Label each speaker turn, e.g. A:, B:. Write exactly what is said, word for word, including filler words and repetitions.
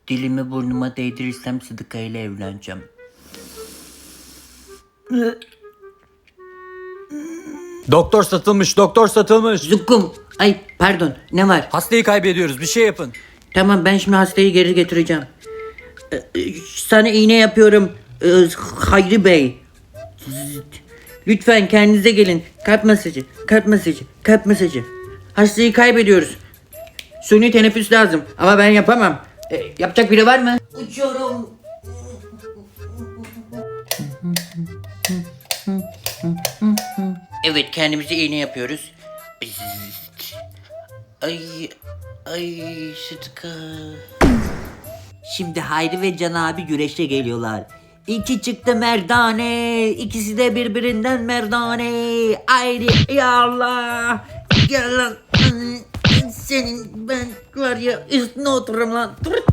A: Dilimi burnuma değdirirsem Sıdıka ile evleneceğim.
B: Doktor satılmış, doktor satılmış.
A: Zukkum. Ay pardon, ne var?
B: Hastayı kaybediyoruz, bir şey yapın.
A: Tamam, ben şimdi hastayı geri getireceğim. Ee, e, Sana iğne yapıyorum ee, Hayri Bey. Lütfen kendinize gelin. Kalp masajı, kalp masajı, kalp masajı. Hastayı kaybediyoruz. Suni teneffüs lazım ama ben yapamam. Ee, yapacak biri var mı? Uçuyorum. Evet, kendimize iğne yapıyoruz. Ay, ay Sıtkı. Şimdi Hayri ve Can abi güreşe geliyorlar. İki çıktı merdane, ikisi de birbirinden merdane. Hayri, ya Allah. Gel lan. Senin ben var ya üstüne otururum lan. Dur.